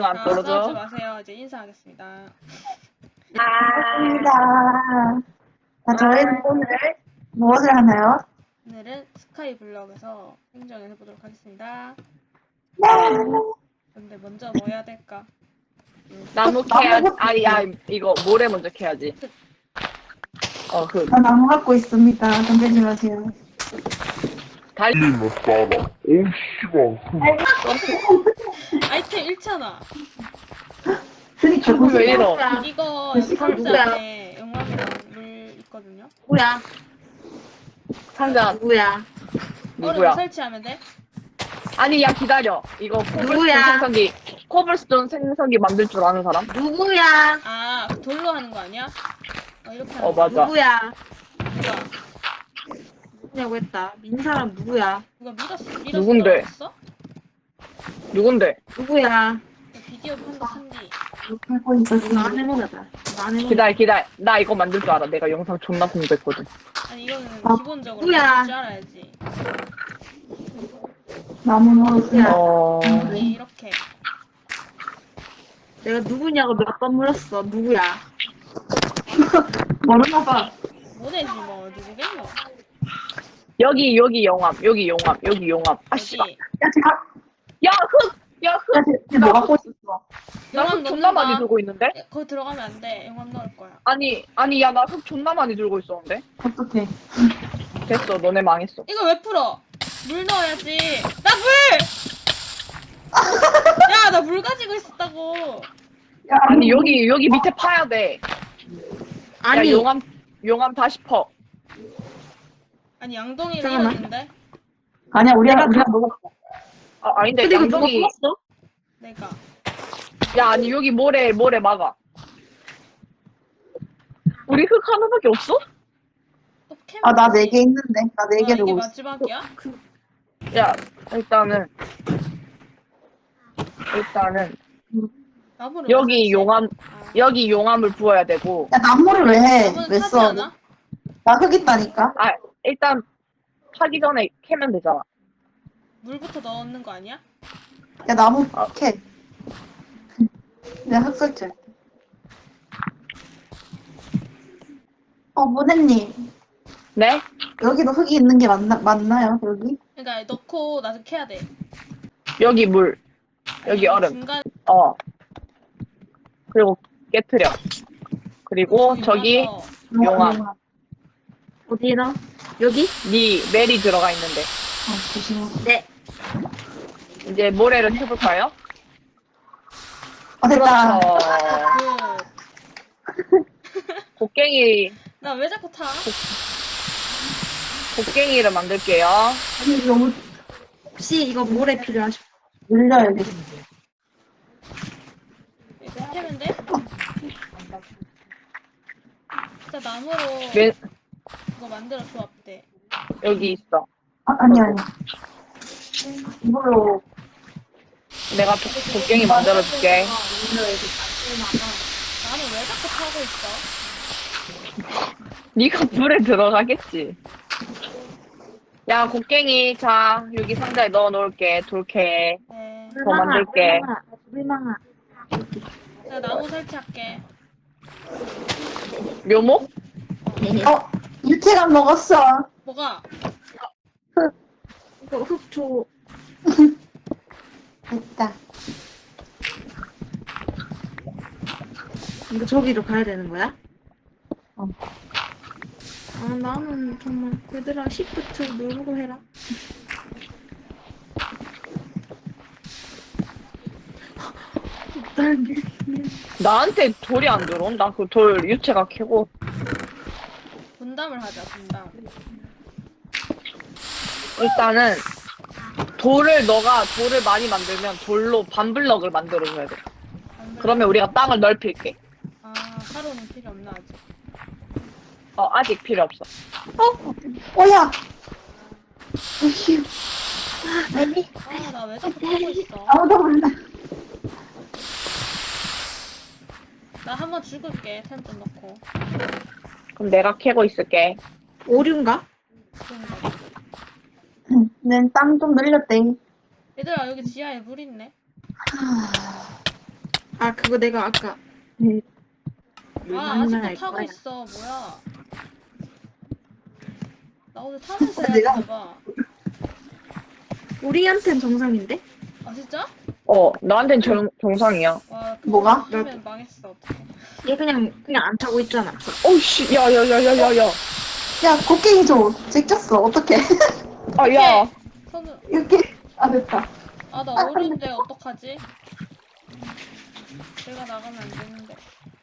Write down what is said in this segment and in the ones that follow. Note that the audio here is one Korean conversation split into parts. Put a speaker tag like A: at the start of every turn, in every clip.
A: 응, 안
B: 싸우지
A: 떨어져.
B: 마세요. 이제 인사하겠습니다.
C: 반갑습니다. 자, 저희는 오늘 무엇을 하나요?
B: 오늘은 스카이 블럭에서 행정을 해보도록 하겠습니다.
C: 네.
B: 근데 먼저 뭐 해야 될까?
A: 나무 캐야지. 이거 모래 먼저 캐야지. 흙.
C: 저 나무 갖고 있습니다. 던지지 마세요.
A: 달리.
D: 못 살아. 오우, 씨발.
B: 아이템 잃잖아.
C: 그니까
A: 왜 이러?
B: 이거 상자
E: 누구야?
B: 안에 용암이랑 물 있거든요.
E: 누구야?
A: 상자
E: 누구야?
B: 얼음
A: 누구야?
B: 설치하면 돼?
A: 아니, 야, 기다려. 이거 코블스톤
E: 누구야?
A: 생성기, 코블스톤 생성기 만들 줄 아는 사람?
E: 누구야?
B: 아, 돌로 하는 거 아니야? 이렇게 하는 거.
A: 맞아.
E: 누구야?
B: 누가?
E: 누구냐고 했다. 민사람 누구야?
B: 누가 밀었어?
A: 누군데?
B: 밀었어?
A: 누군데?
E: 누구야?
B: 비디오 판다 산디.
C: 하고
E: 이거
C: 있었습니다.
E: 안 해먹어봐. 이거 안 해먹어.
A: 기다려. 나 이거 만들 줄 알아. 내가 영상 존나 공부했거든.
B: 아니 이거는
C: 아,
B: 기본적으로
E: 누구야?
B: 만들 줄 알아야지.
C: 나무 넣었습니다.
B: 아니 이렇게.
E: 내가 누구냐고 몇 번 물었어. 누구야?
C: 모르나 봐.
B: 뭐내지 뭐 누구겠노?
A: 여기 용암. 아, 씨.
B: 여기
C: 야, 제가,
A: 야, 흙! 야, 흙!
C: 야, 쟤 뭐 갖고 있었어?
A: 나 흙 존나 많이 들고 있는데?
B: 거기 들어가면 안 돼. 용암 넣을 거야.
A: 아니, 야, 나 흙 존나 많이 들고 있었는데?
C: 어떡해.
A: 됐어, 너네 망했어.
B: 이거 왜 풀어? 물 넣어야지. 나 물! 야, 나 물 가지고 있었다고.
C: 야,
A: 아니, 여기 밑에 파야 돼.
E: 아니,
A: 야, 용암 다시 퍼.
B: 아니 양동이를
E: 잠깐만.
B: 잃었는데
C: 아니야, 우리가 먹었어.
A: 아닌데,
E: 근데 이거 누가
A: 양동이.
E: 풀었어?
B: 내가
A: 야, 아니, 여기 모래 막아. 우리 흙 하나밖에 없어?
B: 또 캐면
C: 아, 나
B: 되지.
C: 4개 있는데. 나 4개
B: 이게
C: 들고 있어.
B: 마지막이야?
A: 야, 일단은
B: 나무를
A: 여기
B: 왜 설치해?
A: 용암,
B: 아,
A: 여기 용암을 부어야 되고.
C: 야, 나무를 왜 해?
B: 나무는
C: 왜
B: 타지
C: 써?
B: 않아?
C: 나 흙 있다니까?
A: 일단 파기 전에 캐면 되잖아.
B: 물부터 넣는 거 아니야?
C: 야, 나무
A: 아.
C: 캐. 내가 흙 설치할게. 모네님.
A: 네?
C: 여기도 흙이 있는 게 맞나요? 여기?
B: 그러니까 넣고 나중에 캐야 돼.
A: 여기 물, 여기 얼음.
B: 중간
A: 그리고 깨트려. 그리고 저기
B: 와서
A: 용암.
E: 어디 넣어? 여기?
A: 네 멜이 들어가 있는데.
C: 조심해.
E: 네.
A: 이제 모래를 해볼까요?
C: 됐다.
A: 곡괭이,
B: 나 왜 자꾸 타?
A: 곡괭이를 만들게요.
C: 아니, 너무
E: 혹시 이거 모래 필요하시고?
C: 늘려야겠어.
B: 이렇게 캐면 돼? 진짜 나무로
A: 맨,
B: 이거 만들어 조합돼.
A: 여기 있어.
C: 아니야. 이걸로.
A: 내가 곡괭이 만들어줄게.
B: 나는 왜 자꾸 타고 있어?
A: 네가 물에 들어가겠지. 야, 곡괭이, 자, 여기 상자에 넣어 놓을게. 돌캐.
B: 네.
A: 더 만들게.
E: 물망아.
B: 내가 나무 설치할게.
A: 묘목?
C: 유채감 먹었어.
B: 뭐가?
E: 이거 흙 줘.
C: 됐다.
E: 이거 저기로 가야 되는 거야?
C: 어.
E: 아, 나는 정말 얘들아 시프트 누르고 해라. 날
A: 나한테 돌이 안 들어온다. 그 돌 유채가 캐고.
B: 분담을 하자, 분담.
A: 일단은 너가 돌을 많이 만들면 돌로 반블럭을 만들어줘야 돼. 그러면 우리가 땅을 넓힐게.
B: 아, 하루는 필요 없나, 아직?
A: 아직 필요 없어.
C: 야! 어휴. 아니,
B: 아, 나 왜 자꾸 타고 있어?
C: 아무도 몰라.
B: 나 한번 죽을게, 템 좀 넣고.
A: 그럼 내가 캐고 있을게.
E: 오류인가?
B: 그런가.
C: 난 땅 좀 늘렸대.
B: 얘들아, 여기 지하에 물 있네?
E: 아, 그거 내가 아까 물
B: 아,
E: 만날
B: 아직도 타고
E: 거야.
B: 있어. 뭐야. 나 오늘 타면서 해야
C: 내가-
B: 되나 봐.
E: 우리한텐 정상인데?
B: 아, 진짜?
A: 나한텐 정상이야.
B: 와, 그거
C: 뭐가?
B: 하면 망했어. 어떡해.
E: 얘 그냥 안 타고 있잖아.
A: 어우씨, 야.
C: 야, 곡괭이 줘. 제꼈어. 어떡해.
A: 아, 야.
B: 손을,
C: 이렇게. 아, 됐다.
B: 아, 나 오류인데 어떡하지? 내가 나가면 안 되는데.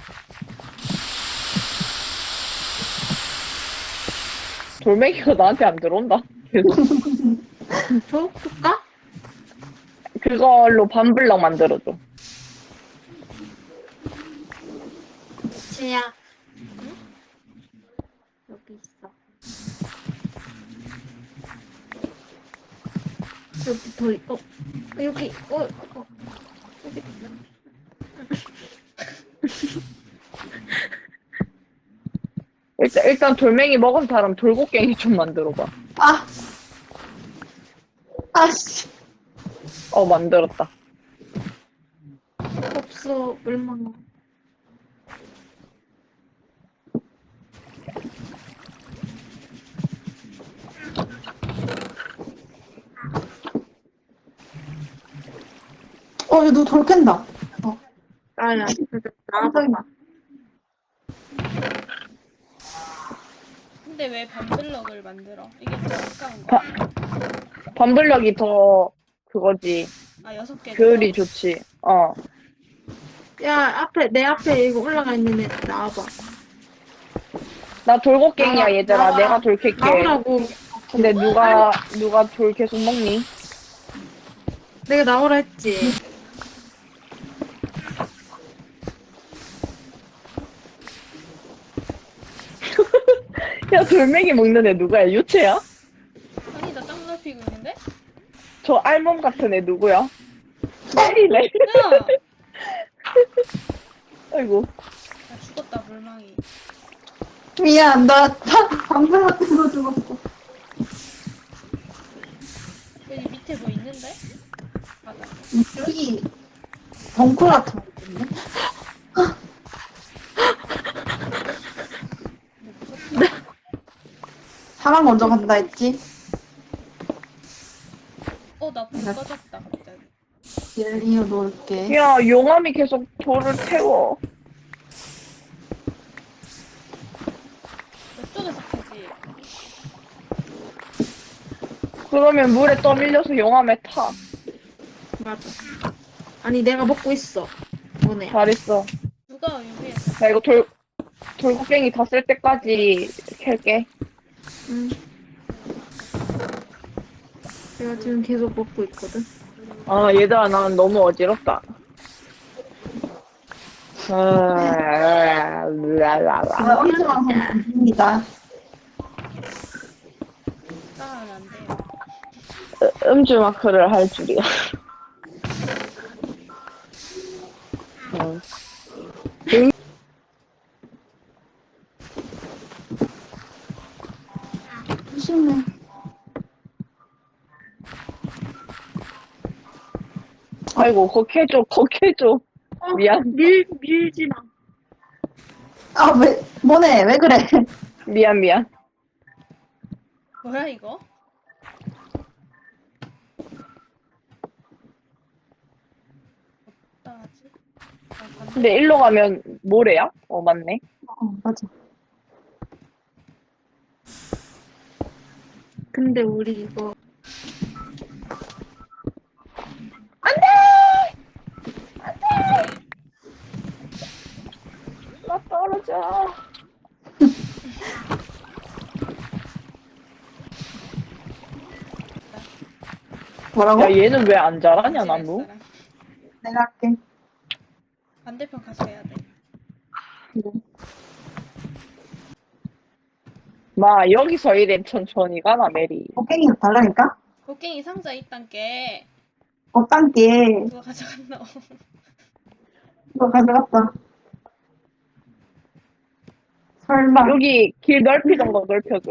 A: 돌멩이가 나한테 안 들어온다. 계속.
E: 줘? 줄까?
A: 그걸로 반블럭 만들어줘.
E: 지야. 여기 있어. 여기 더, 여기, 여기.
A: 일단 돌멩이 먹은 사람 돌고갱이 좀 만들어봐.
C: 아. 아씨.
A: 만들었다.
E: 없어, 얼마나.
C: 야, 너 돌 캔다.
E: 나야, 나와봐.
B: 근데 왜 반블럭을 만들어? 이게 더 아까운 거 아니야?
A: 반블럭이 더 그거지.
B: 아, 6개.
A: 효율이 좋지.
E: 야, 내 앞에 이거 올라가 있는 애 나와봐.
A: 나 돌고갱이야, 얘들아.
E: 나와.
A: 내가 돌 캘게.
E: 나오라고.
A: 근데 누가 돌 계속 먹니?
E: 내가 나오라 했지.
A: 야, 돌멩이 먹는 애 누구야? 유채야?
B: 아니, 나 땅 넓히고 있는데?
A: 저 알몸 같은 애 누구야? 때리네.
B: 야!
A: 아이고.
B: 나 죽었다, 물망이.
C: 미안, 나 방금 같은 거 죽었어.
B: 여기 밑에 뭐 있는데? 맞아.
C: 여기 벙커 같은 거 있는데?
B: 근데 무섭다.
C: 사람 먼저 간다 했지?
B: 나 불 꺼졌다, 갑자기.
C: 젤리어 놓을게.
A: 야, 용암이 계속 돌을 태워.
B: 이쪽에서 캐지.
A: 그러면 물에 떠밀려서 용암에 타.
E: 맞아. 아니, 내가 먹고 있어. 뭐네.
A: 잘했어.
B: 누가 유리했어?
A: 나 이거 돌고갱이 다 쓸 때까지 캘게.
E: 응. 내가 지금 계속 먹고 있거든.
A: 얘들아, 난 너무 어지럽다.
C: 어디서 와서 입니다.
B: 따라하면 안 돼요.
A: 음주 마크를 할 줄이야.
C: 조심해.
A: 아이고, 거캐줘. 미안.
E: 밀지 마.
C: 아, 뭐네, 왜 그래?
A: 미안.
B: 뭐야, 이거? 어떡하지?
A: 근데 일로 가면 모래야? 맞네.
C: 맞아.
E: 근데 우리 이거
A: 나 떨어져.
C: 뭐라고?
A: 야, 얘는 왜 안 자라냐, 나무?
B: 사람.
C: 내가 할게.
B: 반대편 가서 해야 돼.
A: 마, 여기서 이래 천천히 가나, 메리.
C: 곡괭이 달라니까?
B: 곡괭이 상자 있단 게
C: 땅게
B: 누가 가져갔나?
C: 이거 가져갔다. 설마.
A: 여기 길 넓히던 거 넓혀줘.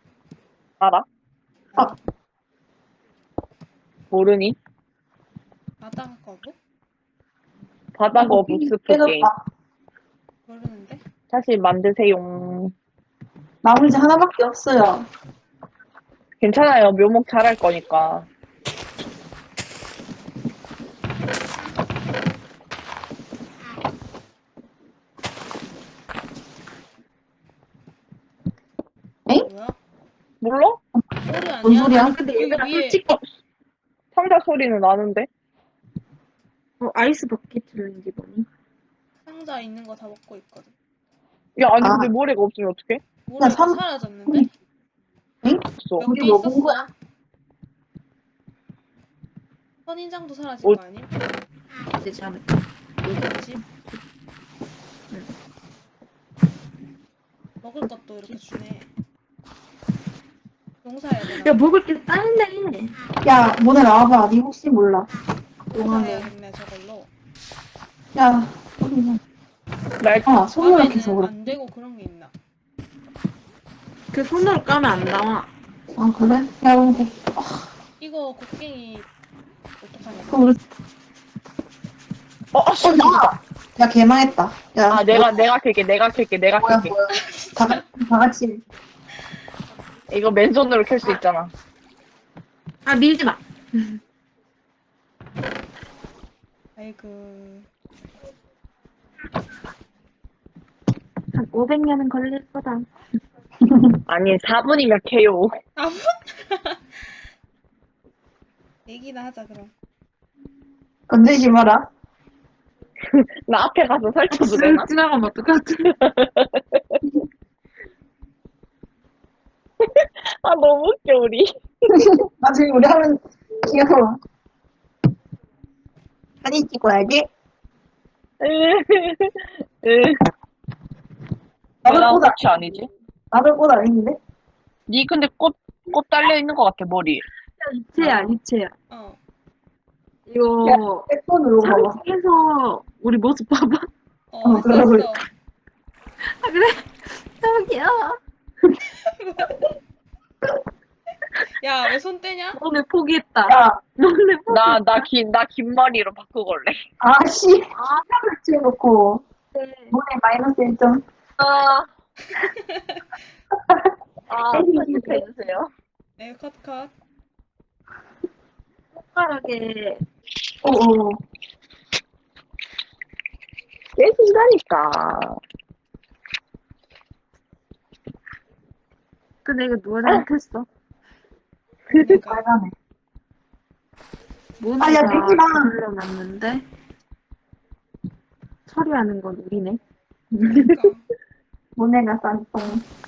A: 알아?
C: 어.
A: 모르니?
B: 바다 거북?
A: 바다 거북 스프 게임.
C: 깨졌다.
B: 모르는데?
A: 다시 만드세요.
C: 나무 이제 하나밖에 없어요.
A: 괜찮아요. 묘목 잘할 거니까.
B: 뭐야?
A: 몰라?
B: 소리 아니야?
C: 뭔 소리야?
E: 아니 근데 얘들아
B: 위에
E: 솔직히
A: 상자 소리는 나는데?
E: 아이스 버킷 챌린지 뭐니?
B: 상자 있는 거 다 먹고 있거든.
A: 야, 아니,
C: 아.
A: 근데 모래가 없으면 어떡해?
B: 모래가
C: 상-
B: 사라졌는데?
A: 없어.
B: 몇
C: 우리
B: 개
C: 먹은
B: 있었어?
C: 거야?
B: 선인장도 사라진
A: 어.
B: 거 아님?
E: 되지 않을까?
B: 그렇지?
E: 응.
B: 먹을 것도 이렇게 주네. 농사해야 되나?
E: 야 먹을 게 딸네.
C: 야, 모네 나와봐. 니 혹시 몰라. 용하네.
B: 농사해야겠네 저걸로.
C: 야, 소리나.
A: 날,
C: 손으로
B: 밤에는
C: 계속 그래.
B: 안 되고 그런 게 있나?
E: 그 손으로 까면 안 나와.
C: 아, 그래? 야, 그럼
B: 이거 곡괭이 어떡하냐?
C: 그럼 우리, 나! 야, 개망했다. 야,
A: 아, 내가 캘게.
C: 뭐야,
A: 캘게.
C: 뭐야. 다 같이.
A: 이거 맨손으로 캘 수 있잖아.
E: 아 밀지 마.
B: 아이고.
E: 한 500년은 걸릴 거다.
A: 아니, 4분이면 캐요.
B: 아무? 얘기나 하자 그럼.
C: 건들지 마라.
A: 나 앞에 가서 설쳐도 되나?
E: 쓱 지나가면 어떡하지?
A: 아, 너무 웃겨, 우리.
C: 나중에 우리 하면 귀여워. 사진 찍어야지. 나도
A: 나랑
C: 꽃,
A: 꽃이 아니지?
C: 나도 꽃 아닌데?
A: 니 근데 꽃 달려 있는 것 같아, 머리.
E: 이체야 이체야.
B: 어.
E: 이거
C: 백폰으로 봐봐.
E: 장해서 우리 모습 봐봐.
B: 했어
C: 그러고
B: 했어.
E: 아 그래? 너무 귀여워.
B: 야 왜 손 떼냐?
E: 오늘 포기했다.
C: 야,
E: 오늘 포기.
A: 나 긴 머리로 바꾸걸래.
C: 아씨. 사을 찍어놓고. 모네 마이너스 1점.
A: 아, 편집해주세요.
B: 네 컷.
E: 손가락에
C: 어어.
A: 깨진다니까.
E: 근데 이거 누가 잘못했어?
B: 그러니까
C: 빨간해.
E: 모니가
C: 아, 야, 내지 마.
E: 올려놨는데 처리하는 건 우리네.
B: 그러니까
C: 모네가 싼똥.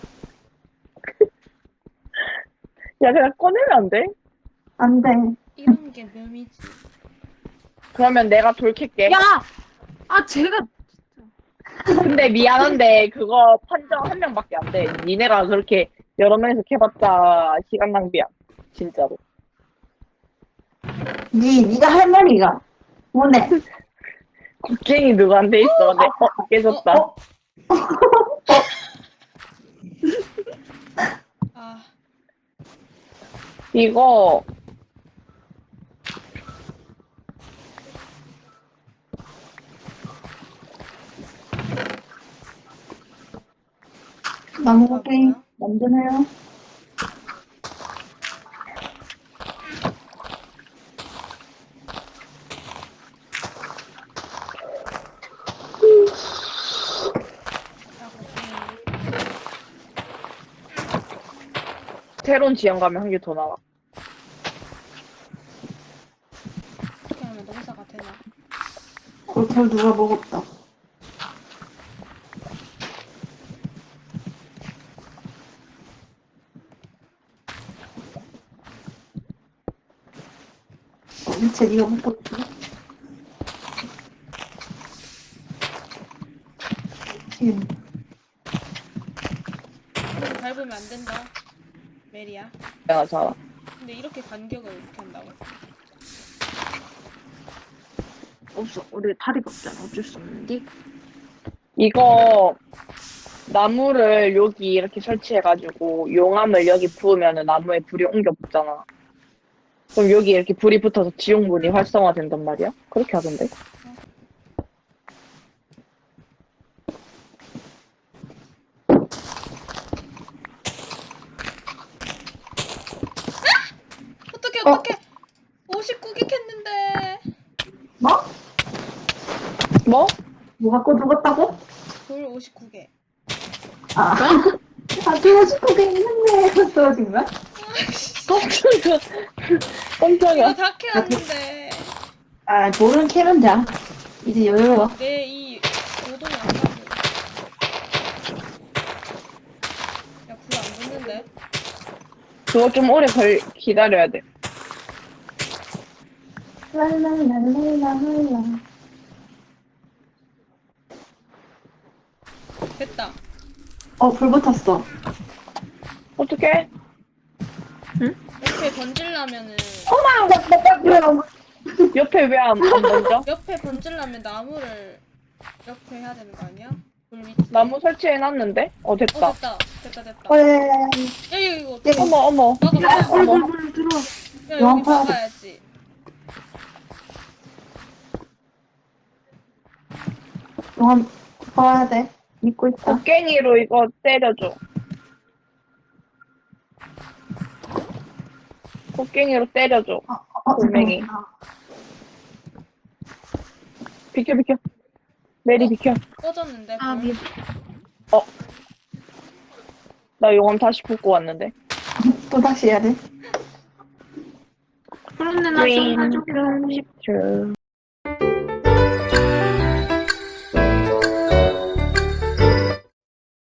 A: 야, 그냥 꺼내면 안 돼?
C: 안 돼.
B: 이런 게 묘미지.
A: 그러면 내가 돌킬게.
E: 야! 아 제가
A: 근데 미안한데 그거 판정 한 명밖에 안 돼. 니네가 그렇게 여러 명이서 캐봤자 시간 낭비야. 진짜로.
C: 니가 할 말이가. 모네.
A: 곡괭이 누구한테 있어? 네, 깨졌다.
B: 아
A: 이거
C: 나무 게임
B: 뭐야?
C: 만드나요?
B: 야 곡괭이.
A: 새로운 지형 가면 한 개 더 나와.
B: 어떻게 하면 농사가 되나?
C: 골털 누가 먹었다. 미체 니가 먹고 있어? 지금
B: 이렇게 밟으면 안 된다. 메리야.
A: 내가 자.
B: 근데 이렇게 간격을 이렇게 한다고?
E: 없어. 우리 다리가 없잖아. 어쩔 수 없는데.
A: 이거 나무를 여기 이렇게 설치해가지고 용암을 여기 부으면은 나무에 불이 옮겨 붙잖아. 그럼 여기 이렇게 불이 붙어서 지옥문이 활성화된단 말이야? 그렇게 하던데.
B: 어떡해. 59개 캤는데.
C: 뭐?
A: 뭐?
C: 뭐 갖고 죽었다고?
B: 돌 59개.
C: 아, 떨어지고 있는데. 떨어진 거야?
A: 깜짝이야.
B: 이거
A: 깜짝이야.
B: 다 캐왔는데.
C: 아, 돌은 캐면 돼. 이제 여유로워.
B: 내 이 노동이 안 가고. 야, 불 안 붙는데?
A: 그거 좀 오래 기다려야 돼.
C: 랄랄랄랄랄라.
B: 됐다.
C: 불 붙었어.
A: 어떡해?
B: 옆에 던질라면은,
A: 옆에 왜 안 던져?
B: 옆에 던질라면 나무를 이렇게 해야 되는 거 아니야? 불 밑에.
A: 나무 설치해놨는데? 됐다.
B: 됐다.
C: 예.
B: 야, 이거
A: 어머.
B: 막아.
A: 어머.
E: 들어.
B: 야, 여기 막아야지.
C: 용암 봐야 돼. 믿고 있다.
A: 곡괭이로 이거 때려줘. 곡괭이로 때려줘. 돌멩이. 비켜. 메리 비켜.
B: 꺼졌는데,
E: 아,
B: 불.
E: 미안.
A: 나 용암 다시 붓고 왔는데.
C: 또 다시 해야 돼.
E: 그런데 나 좀 가져올래.
A: 10초.